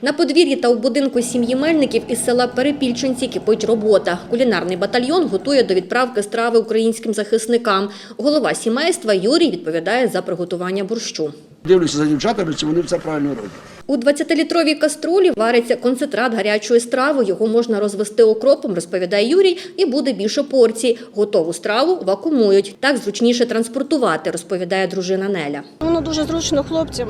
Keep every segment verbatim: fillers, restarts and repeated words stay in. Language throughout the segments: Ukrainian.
На подвір'ї та у будинку сім'ї Мельників із села Перепільченці кипить робота. Кулінарний батальйон готує до відправки страви українським захисникам. Голова сімейства Юрій відповідає за приготування борщу. Дивлюся за дівчатами, чи вони все правильно роблять. У двадцятилітровій каструлі вариться концентрат гарячої страви. Його можна розвести окропом, розповідає Юрій, і буде більше порцій. Готову страву вакуумують. Так зручніше транспортувати, розповідає дружина Неля. Воно дуже зручно хлопцям.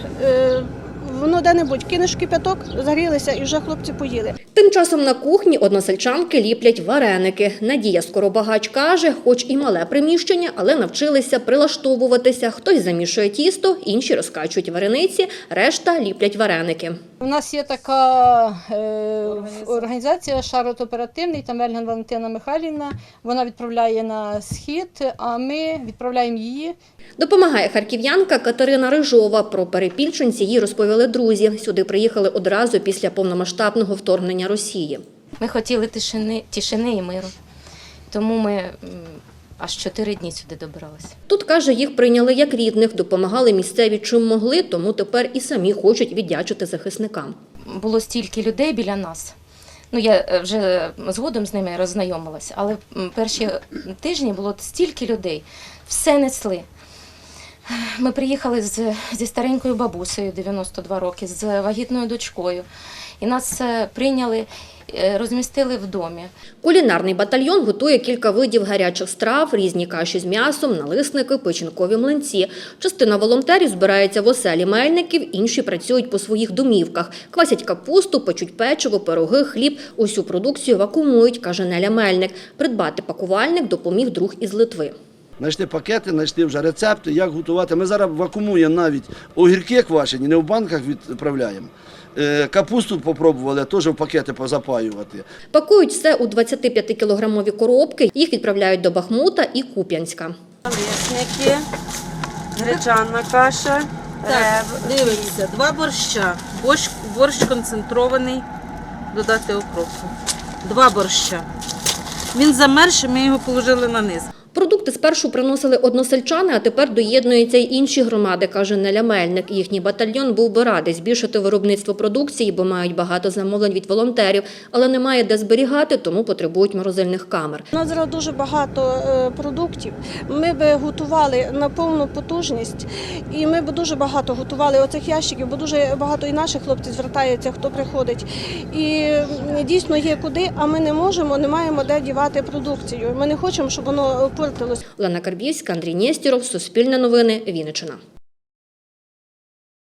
Воно де-небудь кинеш в кипяток, загрілися і вже хлопці поїли. Тим часом на кухні односельчанки ліплять вареники. Надія Скоробагач каже, хоч і мале приміщення, але навчилися прилаштовуватися. Хтось замішує тісто, інші розкачують варениці, решта ліплять вареники. У нас є така е, організація «Шарот оперативний», там Вельган Валентина Михайлівна. Вона відправляє на схід, а ми відправляємо її. Допомагає харків'янка Катерина Рижова. Про Перепільченці їй розповіли друзі. Сюди приїхали одразу після повномасштабного вторгнення Росії. Ми хотіли тишини, тишини і миру, тому ми аж чотири дні сюди добиралися. Тут, каже, їх прийняли як рідних, допомагали місцеві чим могли, тому тепер і самі хочуть віддячити захисникам. Було стільки людей біля нас. Ну, я вже згодом з ними роззнайомилася, але перші тижні було стільки людей, все несли. Ми приїхали з, зі старенькою бабусею, дев'яносто два роки, з вагітною дочкою. І нас прийняли, розмістили в домі. Кулінарний батальйон готує кілька видів гарячих страв, різні каші з м'ясом, налисники, печінкові млинці. Частина волонтерів збирається в оселі Мельників, інші працюють по своїх домівках. Квасять капусту, печуть печиво, пироги, хліб. Усю продукцію вакуумують, каже Неля Мельник. Придбати пакувальник допоміг друг із Литви. Знайшли пакети, знайшли вже рецепти, як готувати. Ми зараз вакуумуємо навіть огірки квашені, не в банках відправляємо. Капусту попробували, теж в пакети позапаювати. Пакують все у двадцятип'ятикілограмові коробки. Їх відправляють до Бахмута і Куп'янська. Налисники, гречана каша, Так, дивимося, два борща. Борщ, борщ концентрований, додати окропу. Два борща. Він замерз, ми його положили на низ. Продукти спершу приносили односельчани, а тепер доєднуються й інші громади, каже Неля Мельник. Їхній батальйон був би радий збільшити виробництво продукції, бо мають багато замовлень від волонтерів, але немає де зберігати, тому потребують морозильних камер. У нас зараз дуже багато продуктів. Ми б готували на повну потужність, і ми б дуже багато готували оцих ящиків, бо дуже багато і наших хлопців звертається, хто приходить. І дійсно є куди, а ми не можемо, не маємо де дівати продукцію. Ми не хочемо, щоб воно портилось. Олена Карбівська, Андрій Нєстєров, Суспільне новини, Вінниччина.